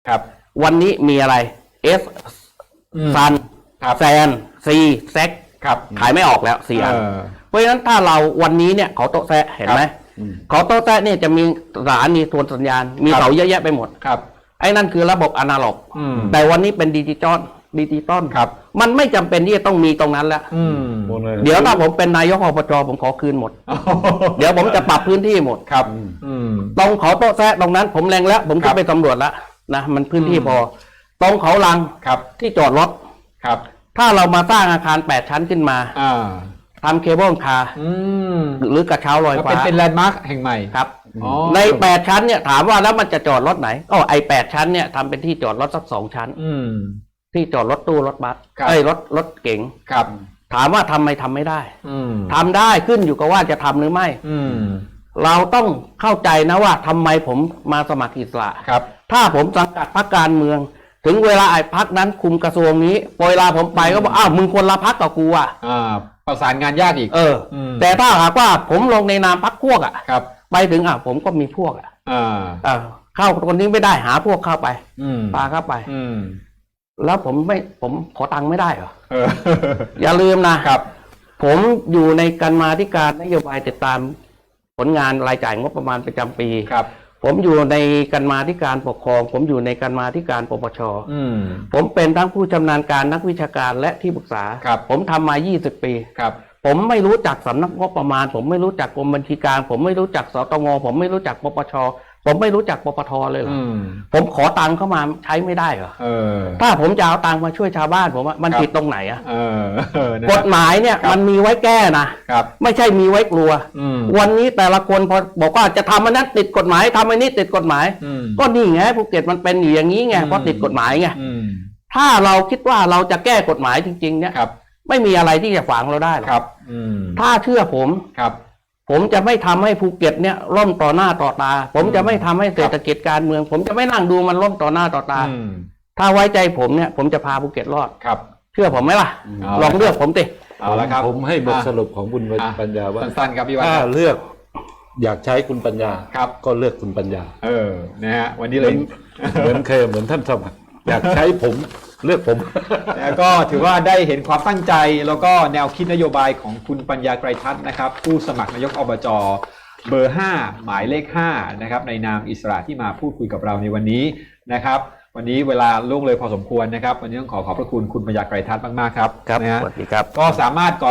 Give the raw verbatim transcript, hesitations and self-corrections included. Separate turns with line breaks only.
ครับ
วันนี้มีอะไรเอสซันแซนซีแซก
ครับ
ขายไม่ออกแล้วสี่อันเพราะฉะนั้นถ้าเราวันนี้เนี่ยเขาโต๊ะแซะเห็นไหมเขาโต๊ะแซะเนี่ยจะมีสารมีทวนสัญญาณมีเสาเยอะแยะไปหมด
ครับ
ไอ้นั่นคือระบบอนาล็อกแต่วันนี้เป็นดิจิตอลดิจิตอล
ครับ
มันไม่จำเป็นที่จะต้องมีตรงนั้นแล้วเดี๋ยวถ้าผมเป็นนายกอบจผมขอคืนหมดเดี๋ยวผมจะปรับพื้นที่หมด
ครับ
ตรงเขาโต๊ะแซะตรงนั้นผมแรงแล้วผมก็ไปสำรวจแล้วนะมันพื้นที่พอตรงเขาลัง
ครับ
ที่จอดรถ
ครับ
ถ้าเรามาสร้างอาคารแปดชั้นขึ้นมาทำเคเบิลคาร์หรือกระเช้าลอยฟ้า
เป็นเป็นแลนด์มาร์คแห่งใหม่
ครับในแปดชั้นเนี่ยถามว่าแล้วมันจะจอดรถไหนก็ไอแปดชั้นเนี่ยทำเป็นที่จอดรถสักสองชั้นที่จอดรถตู้รถบัสไอ้รถรถเก๋ง
ครับ
ถามว่าทำไมทำไม่ได้ทำได้ขึ้นอยู่กับว่าจะทำหรือไม่เราต้องเข้าใจนะว่าทำไมผมมาสมัครอิสระ
ครับ
ถ้าผมสังกัดพรรคการเมืองถึงเวลาไอ้พรรคนั้นคุมกระทรวงนี้เวลาผมไปก็บอกอ้าวมึงคนละพรรคกับกูอ่ะ
ประสานงานยากอีก
เออแต่ถ้าหากว่าผมลงในนามพรรคพวกอ่ะ
ครับ
ไปถึงอ่ะผมก็มีพวกอ่ะ
อ่า
เข้าคนนี้ไม่ได้หาพวกเข้าไปปาเข้าไปแล้วผมไม่ผมขอตังค์ไม่ได้เหรออย่าลืมนะครับผมอยู่ในการมาธิการนโยบายติดตามผลงานรายจ่ายงบประมาณประจำปี
ครับ
ผมอยู่ในการมาธิการปกครองผมอยู่ในการมาธิการปปชผมเป็นทั้งผู้ชำนาญการนักวิชาการและที่ปรึกษาผมทำมายี่สิบปี
ครับ
ผมไม่รู้จักสำนักงบประมาณผมไม่รู้จักกรมบัญชีกลางผมไม่รู้จักสตงผมไม่รู้จักปปชผมไม่รู้จักปปทเลยเหรอผมขอตังค์เข้ามาใช้ไม่ได้เหรอถ้าผมจะเอาตังค์มาช่วยชาวบ้านผมมันผิดตรงไหนอ่ะกฎหมายเนี่ยมันมีไว้แก้นะไม่ใช่มีไว้กลัววันนี้แต่ละคนพอบอกว่าจะทำอันนั้นติดกฎหมายทำอันนี้ติดกฎหมายก็นี่ไงภูเก็ตมันเป็นอย่างนี้ไงเพราะติดกฎหมายไงถ้าเราคิดว่าเราจะแก้กฎหมายจริงๆเนี่ยไม่มีอะไรที่จะขวางเราได้หรอกถ้าเชื่อผมผมจะไม่ทำให้ภูเก็ตเนี่ยล่มต่อหน้าต่อตาผมจะไม่ทำให้เศรษฐกิจการเมืองผมจะไม่นั่งดูมันล่มต่อหน้าต่อตาถ้าไว้ใจผมเนี่ยผมจะพาภูเก็ตรอด
ครับ
เชื่อผมไหมล่ะลองเลือกผมติ
เอาละครับผมให้บทสรุปของคุณปัญญาว่า
สั้นๆครับพี่วัน
ถ้าเลือกอยากใช้คุณปัญญา
ครับ
ก็เลือกคุณปัญญา
เออนะฮะวันนี้เลย
เหมือนเคยเหมือนท่านสมัครอยากใช้ผมเลือกผม
แล้วก็ถือว่าได้เห็นความตั้งใจแล้วก็แนวคิดนโยบายของคุณปัญญาไกรทัศน์นะครับผู้สมัครนายกอบจเบอร์ห้าหมายเลขห้านะครับในนามอิสระที่มาพูดคุยกับเราในวันนี้นะครับวันนี้เวลาล่วงเลยพอสมควรนะครับวันนี้ต้องขอขอบพระคุณคุณปัญญาไกรทัศน์มากๆครับ
ครับสวัสดีครับ
ก็สามารถ